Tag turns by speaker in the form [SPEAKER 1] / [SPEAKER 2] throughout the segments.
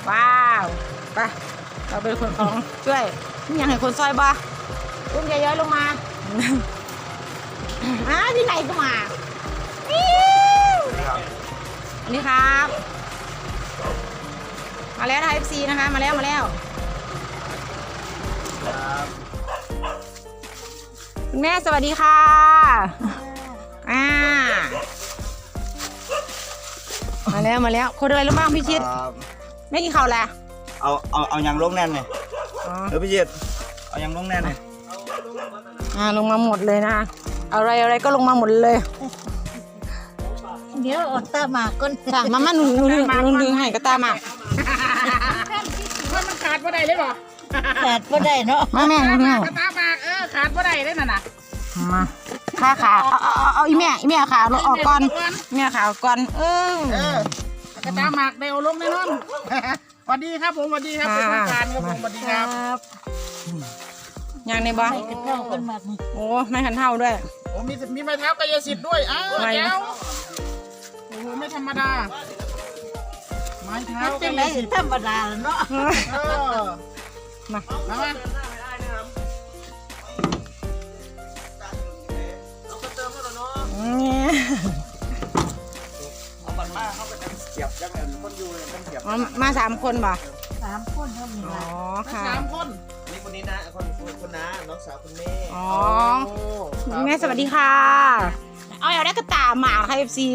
[SPEAKER 1] ว้าวไปเราเป็นคนของช่วยนี่ยังให้คนซอยบ่อุ้มยายย้อยลงมาที่ไหนก็มานี่ครับมาแล้วไทย FC นะคะมาแล้วคุณแม่สวัสดีค่ะมาแล้วคนอะไรรู้บ้างพี่ชิดไม่กินข้าวแล้ว
[SPEAKER 2] เอายังลงแน่นเลยพี่ชิดเอายังลงแน่นเลย
[SPEAKER 1] ลงมาหมดเลยนะอะไรก็ลงมาหมดเลย
[SPEAKER 3] เดี๋ยวอดตาหมากก้น
[SPEAKER 1] จ้ะมาหนูดึงให้ก็ตามมา
[SPEAKER 4] มันขาดบ่ได้เลยบ่
[SPEAKER 3] ขาดบ่ได้เนาะ
[SPEAKER 1] แม่
[SPEAKER 4] กระตามากขาดบ่ได้เลยน่ะ
[SPEAKER 1] มาขาเอาอีแม่ขาเราออกก่อนแม่ขาออกก่อน
[SPEAKER 4] กระตามากเดี๋ยวลงแน่นอนสวัสดีครับผมสวัสดีครับเป็นทางการครับผมสวัสดีครับ
[SPEAKER 1] ยังในบ้านโอ้ไม่ขันเท่าด้วย
[SPEAKER 4] โอ้มีไม้เท้ากายสิทธิ์ด้วยแก้วโอ้โหไม่ธรรมดาไม้เท้ากายสิทธิ์
[SPEAKER 3] ธรรมดาเนาะ
[SPEAKER 4] มา
[SPEAKER 1] มา3 คนป่ะ
[SPEAKER 3] 3 คนเท่านี้
[SPEAKER 1] อ๋อค่ะ
[SPEAKER 4] 3 คน
[SPEAKER 2] นี่คนนี้นะคนน้าน้องสาวคุณแม่
[SPEAKER 1] อ๋อแม่สวัสดีค่ะเอาได้กระตาหมาค่ะ FC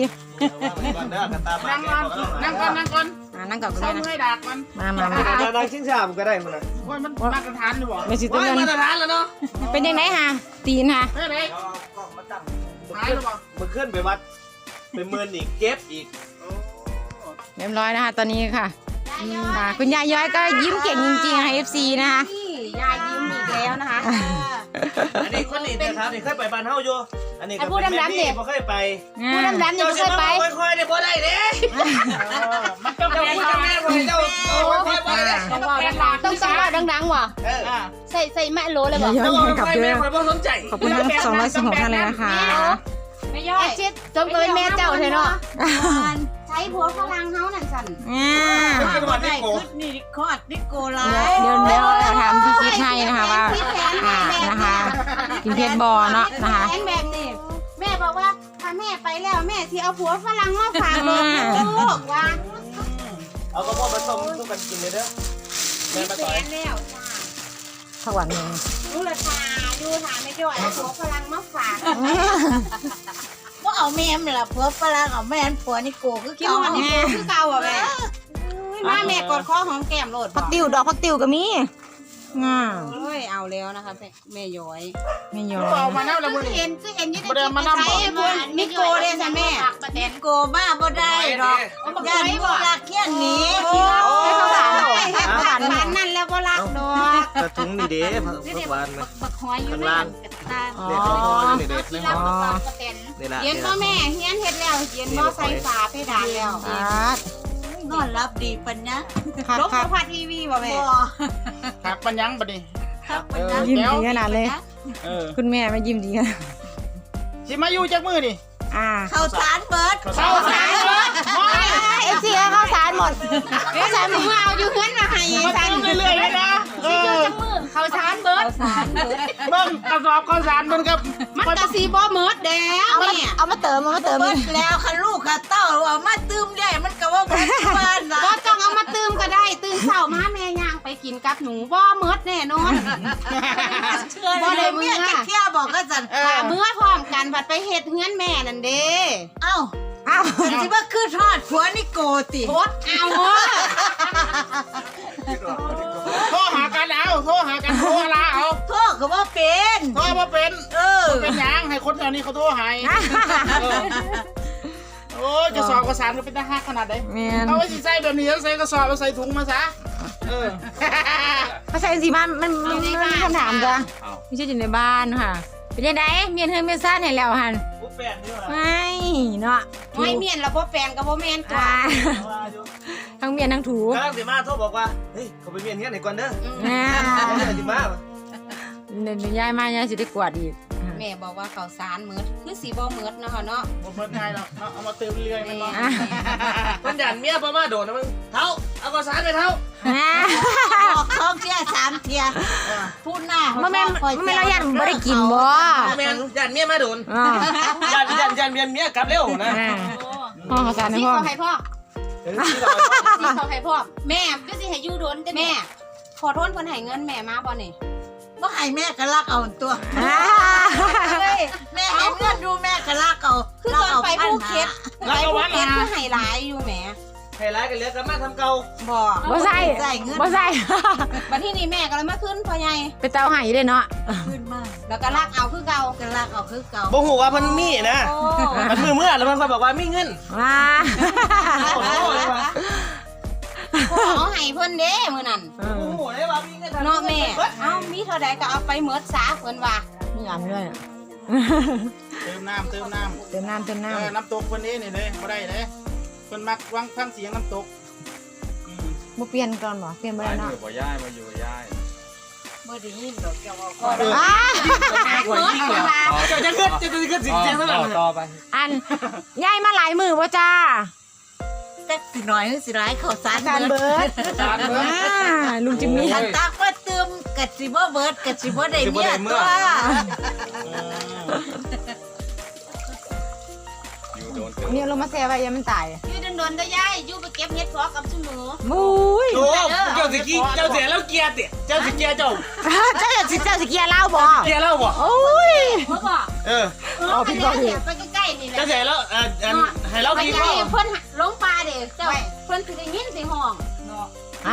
[SPEAKER 4] นั่งก่อน
[SPEAKER 1] นั่งกับคุณแม่
[SPEAKER 4] นะให้ดักมัน
[SPEAKER 1] มา
[SPEAKER 2] นั่งชิ้นชามก็ได้มันนะ
[SPEAKER 4] โอ้ยมันมาตรฐานหรือเปล่า
[SPEAKER 1] ไม่ใช่ตัว
[SPEAKER 4] มาตรฐานแล้วเนาะ
[SPEAKER 1] เป็นยังไงฮะตีนฮะ
[SPEAKER 4] เป็นไงหายหรือเปล่า
[SPEAKER 2] มันขึ้นไปวัดเป็นเมินอีกเก็บอีก
[SPEAKER 1] เรียบร้อยนะคะตอนนี้ค่ะคุณยายย้อยก็ยิ้มเก่งจริงๆค่ะ FC นะคะ
[SPEAKER 3] ยายยิ้มอีกแล้วนะคะ
[SPEAKER 2] อันนี้คนนี้นะครับนี่เคยไปบ้านเฮาอยู่อันนี้
[SPEAKER 1] พูดดำๆเนี่ย
[SPEAKER 2] บ่เคยไป
[SPEAKER 1] พูดดำๆเนี่ยบ่เคยไป
[SPEAKER 2] ค่อยๆเนี่ยบ่ได้เด้
[SPEAKER 4] มันต้องพูดแม่บ่เจ้าค่อยๆไปเด้
[SPEAKER 3] ต้องว่าดังๆว่ะใส่แม่โลเลยบ่
[SPEAKER 1] ย้อยกลับด้วย
[SPEAKER 4] ค่อยบ่สนใจ
[SPEAKER 1] ขอบคุณทั้ง216ท่านเลยนะคะ
[SPEAKER 3] ไม่ย่อยชิดจงเป็นแม่เจ้าเถอะเนาะใช้ผัวฝรั่งเฮานั่นสั่น
[SPEAKER 2] นี่
[SPEAKER 3] คอดนิโกลา
[SPEAKER 1] เดี๋ยวถามพี่คิดให้นะคะว่านะคะกินเพชรบอเนาะนะคะ
[SPEAKER 3] แบบนี้แม่บอกว่าถ้าแม่ไปแล้วแม่ที่เอาผัวฝรั่งมาฝากลูกว่า
[SPEAKER 2] เอากระเพาะผสมทุกกันกินเลยเด้อแม่มาต่อย
[SPEAKER 3] แล้ว
[SPEAKER 1] สวรรค์
[SPEAKER 3] รู้ราคาดูถามไม่จ่อยผัวฝรั่งมาฝากว่าเอาแม่มันละผัวฝรั่งเอาแม่ผัวนี่โกคือเก่าคือเก่าอ่ะแม่แม่กดคอของแก้มโหลด
[SPEAKER 1] พักติวดอกพักติวก็มี
[SPEAKER 3] เฮ้ยเอาแล้วนะคะแม่ย้อย
[SPEAKER 4] เอามาแล้วละมื้อนี้
[SPEAKER 3] เห็นยี่ได้ใช้พวกนิโกเลยจ้ะแม่นิโกบ้าบ่ได้หรอกย่านบ่รักเที่ยนนี้
[SPEAKER 1] ไม่เข้าหลาน
[SPEAKER 3] นั่นแล้วบ่รักดอก
[SPEAKER 2] กระถุงนี่เด้ผักหวานมั้ย
[SPEAKER 3] บักหอยอยู่นั่น
[SPEAKER 2] เด็ดนี่เด็ดนี่
[SPEAKER 3] เย็นบ่แม่เฮียนเฮ็ดแล้วเย็นบ่ใส่ฝาเพดานแล้วนอนรับดีปัญญาลบพัดทีวีบ่แม่
[SPEAKER 4] หักปัญญังบัดนี้
[SPEAKER 1] ยิ้มดีขนาดเลยคุณแม่ไม่ยิ้มดีขนาด
[SPEAKER 4] สิมาอยู่จักมื้อนี่
[SPEAKER 3] ข้าวสารเบิด
[SPEAKER 1] เสียข้าวสารหมด
[SPEAKER 3] ข้าวสารมึงเอาอยู่เฮือนมาให้
[SPEAKER 4] สั่นเรื่อยๆเลยนะ
[SPEAKER 3] ข้าวสารเบิด
[SPEAKER 4] เบิ่งกระสอบข้าวสารมันกับ
[SPEAKER 3] มันกะสิบ่หมดแล้ว
[SPEAKER 1] เอามาเติม
[SPEAKER 3] แล้วคันลูกคันเต้าเอามาตื้มได้มันก็ว่าบ่บ้านน่ะบ่ต้องเอามาตื้มก็ได้ตื่นเช้ามาแม่ย่างไปกินกับหนูบ่หมดแน่นอนบ่ได้เมียจะเที่ยวบอกก็สั่นเมื่อพร้อมกันบัดไปเฮ็ดเฮือนแม่นั่นเด้เอ้าสิว่าคือทอดผัวนี่โกติโคตรเอา
[SPEAKER 4] โทรหากันโทรลาเอา
[SPEAKER 3] โทรก็บ่เป็น
[SPEAKER 4] โทรบ่เป็นเป็นหยังให้คนแถวนี้เขาโทรให้โอ้ยกระสอบกระสานก็เป็นทหารขนาดไหนเอาไว้สิใส่แบบนี้ใส่กระสอบใส่ถุงมาซะ
[SPEAKER 1] เขาใส่สิบ้านมันคำถามจ้ะไม่ใช่อยู่ในบ้านค่ะเป็นยังไงเมียนเฮือนเมียนซ่านเห็นแล้วฮันไม่เนาะ
[SPEAKER 3] ไม่เมียนแล้วบ่แฟนกับบ่แม่นตัว
[SPEAKER 1] ทั้งเมียนทั้งถู
[SPEAKER 2] กำลังสิมาโทรบอกว่าเฮ้ยเขาไปเมียนเงี้ยไหนก่อนเด้อสิมา
[SPEAKER 1] เดินย้ายมาย้ายสิได้กวาดอีก
[SPEAKER 3] แม่บอกว่าข้าวสารมื้อคือสิบ่มื้อนะคะเนาะ
[SPEAKER 4] บ่มื้อง่ายเนาะเอามาเติมเรื่อยๆมันเนาะ
[SPEAKER 2] คนหยันเมียบ่มาโดนนะมึงเท้าเอาก่อน
[SPEAKER 4] าวสารไปเท่า
[SPEAKER 3] บอกท้องเที่ย3เที่ยพูดหน้า
[SPEAKER 1] มันเรายันบ่ได้กินบ่
[SPEAKER 4] แม่นยันเมียมาโดน
[SPEAKER 1] อ่า
[SPEAKER 4] ยันเมียกลับเร็วนะ
[SPEAKER 1] พ่อข้าวสารให้
[SPEAKER 3] ที่
[SPEAKER 1] พ่อ
[SPEAKER 3] เขาให้พ่อที่เขาให้พ่อแม่ก็สิให้อยู่โดนแต่แม่ขอโทษเพิ่นให้เงินแม่มาบ่นี่บ่ให้แม่ก็รักเอาตัวแม่ให้เงินดูแม่ก็รักเอาคือตอนไปภูเก็ตไปภูเก็ตคือให้หลายอยู่แหม
[SPEAKER 4] ให้ร้ายกันเหลือกลับมาทำเก่า
[SPEAKER 1] บ่ใส่
[SPEAKER 3] ใส่เงิน
[SPEAKER 1] บ่ใส่
[SPEAKER 3] บัดที่นี่แม่ก็เลยมาขึ้นพ่อใหญ่
[SPEAKER 1] ไปเตาไห้เลยเนาะ
[SPEAKER 3] ขึ้นมาแล้วก็รักเอาคือเก่าก็รักเอาคือเก่า
[SPEAKER 4] บ่ฮู้ว่าเพิ่นมีนะมันเมื่อแล้วเพิ่นก็บอกว่ามีเงิน
[SPEAKER 1] ว้า
[SPEAKER 3] เอาให้เพิ่นเด้มื้อนั้น
[SPEAKER 4] โอ้โหได้ว่ามีเงิน
[SPEAKER 3] เนาะแม่เอ้ามีเท่าใดก็เอาไปหมดซะเพิ่นว่า
[SPEAKER 1] มีอันด้วย
[SPEAKER 4] เติมน้ำ
[SPEAKER 1] เติมน้ำ
[SPEAKER 4] น้ำตกเพิ่นนี่เลยบ่ได้เลยเพิ่นมักฟังเสียงน้ำตก
[SPEAKER 1] บ่เปลี่ยนก่อนบ่เปลี่ยนบ่ได้เนาะ
[SPEAKER 2] บ่ย้ายมาอยู่บ่ย้าย
[SPEAKER 3] บ่ได้ยินดอกแก้วว่าก็
[SPEAKER 1] อ้า
[SPEAKER 4] หัวยิ่งเหรอจะขึ้นเสียงเท่านั้น
[SPEAKER 2] ต่อไป
[SPEAKER 1] อันยายมาหลายมือบ่จ้า
[SPEAKER 3] แต่สิน้อยหรือสิร้ายข้าวสาร
[SPEAKER 1] การเบิดลุงจิมมี่
[SPEAKER 3] อันตักว่าเติมกะสิบ่เบิดกะสิบ่ได้เมียตัว
[SPEAKER 2] อยู่โดนเติม
[SPEAKER 1] เนี่ยลงมาแซ่ไว้ยังมันตาย
[SPEAKER 3] อยู่โดนๆเด้อยายอยู่ไปเก็บเห็ดเพาะกับซุหนู
[SPEAKER 1] มุ้ย
[SPEAKER 4] โอ้เจ้าสิกี้เจ้าเสียแล้วเกียร์ติเจ้าสิเกียร์เจ้า
[SPEAKER 1] เจ้าสิเกียร์เล่าบ่
[SPEAKER 4] เกียร์แล้วบ่
[SPEAKER 1] โอ้ย
[SPEAKER 3] พ่อบ่
[SPEAKER 1] เอาผิดบ่ผิด
[SPEAKER 3] ไปใกล้ๆนี่แหละ
[SPEAKER 4] เจ้าเสียแล้วให้เรา
[SPEAKER 3] ไป
[SPEAKER 4] กิน
[SPEAKER 3] ใกล้
[SPEAKER 4] บ่
[SPEAKER 3] เพิ่นลงปลาเด้เจ้าเพิ่นสิได้ยินเสียงห้องเนาะ
[SPEAKER 1] อ่า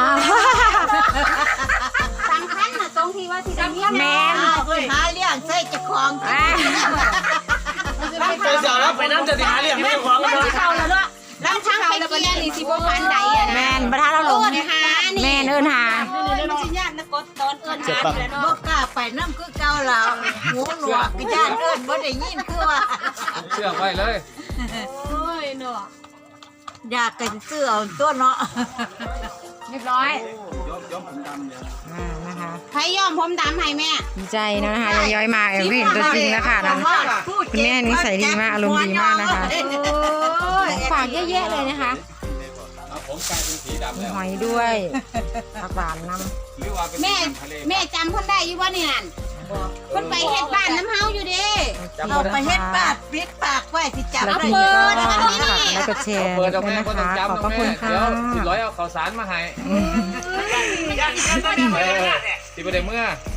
[SPEAKER 3] สำคัญน่ะตรงที่ว่าสิได้ยิน
[SPEAKER 1] แม่น
[SPEAKER 3] เพิ่นหาเลี้ยงใส่เจ้าของ
[SPEAKER 1] อ่า
[SPEAKER 4] เจ้าเสียแล้วไปน้ำจะสิหาเลี้ยงไม่ของกัน
[SPEAKER 3] เข้าแล้วเนาะลำทางไปเกียร์นี่สิบ่ปานใดอ่ะนะ
[SPEAKER 1] แม่นบ่ทันเราลง
[SPEAKER 3] หานี่
[SPEAKER 1] แม่นเอิ้นหา
[SPEAKER 3] มันสิญาตินะกดตอนเอิ้นหานี่แหละเนาะบ่กล้าไปนำคือเก่าแล้วหูหนวกก็ญาติเอิ้นบ่ได้ยินคือว่า
[SPEAKER 2] เชื่อไว้เลย
[SPEAKER 3] โอ้ยเนาะอยากกันเสื้อเอาตัวเนาะ
[SPEAKER 1] เรียบร้อย
[SPEAKER 2] ยอมผมดำเลย
[SPEAKER 1] นะคะ
[SPEAKER 3] ใครยอมผมดำให้แม่
[SPEAKER 1] ดีใจนะคะย้อยๆมาเห็นตัวจริงแล้วค่ะนะคุณแม่นิสัยดีมากอารมณ์ดีมากนะคะฝากเยอะแยะเลยนะคะ
[SPEAKER 2] ผมกลายเป็นสีดำ
[SPEAKER 1] มี
[SPEAKER 2] แล้ว
[SPEAKER 1] หอยด้วยผักหวานน้
[SPEAKER 2] หรือว่าเป็น
[SPEAKER 3] แม่
[SPEAKER 2] ทะเล
[SPEAKER 3] แม่จำเพิ่นได้อยู่บ่นี่นั่นเพิ่นไปเฮ็ดบ้านน้ำเฮาอยู่เด้
[SPEAKER 1] ำ
[SPEAKER 3] เอาไปเฮ็ดบ้านปิดปากไว้สิจับ
[SPEAKER 1] แล้ว
[SPEAKER 3] ได้
[SPEAKER 1] ที
[SPEAKER 3] เปิ
[SPEAKER 1] นี้
[SPEAKER 3] ด
[SPEAKER 1] ก็
[SPEAKER 3] อัน
[SPEAKER 1] ฝาก
[SPEAKER 3] นี้
[SPEAKER 1] แล้วก็แชร์
[SPEAKER 2] เปิดออก
[SPEAKER 1] ด้วย
[SPEAKER 2] แม่
[SPEAKER 1] นะ
[SPEAKER 2] ก็ต้อง
[SPEAKER 1] คะ
[SPEAKER 2] จำ
[SPEAKER 1] ขอบพระคุณค่ะ
[SPEAKER 2] เดี๋ยวสิร้อยเอาข้าวสารมาให้ที่ประเดี๋ยวเมื่อ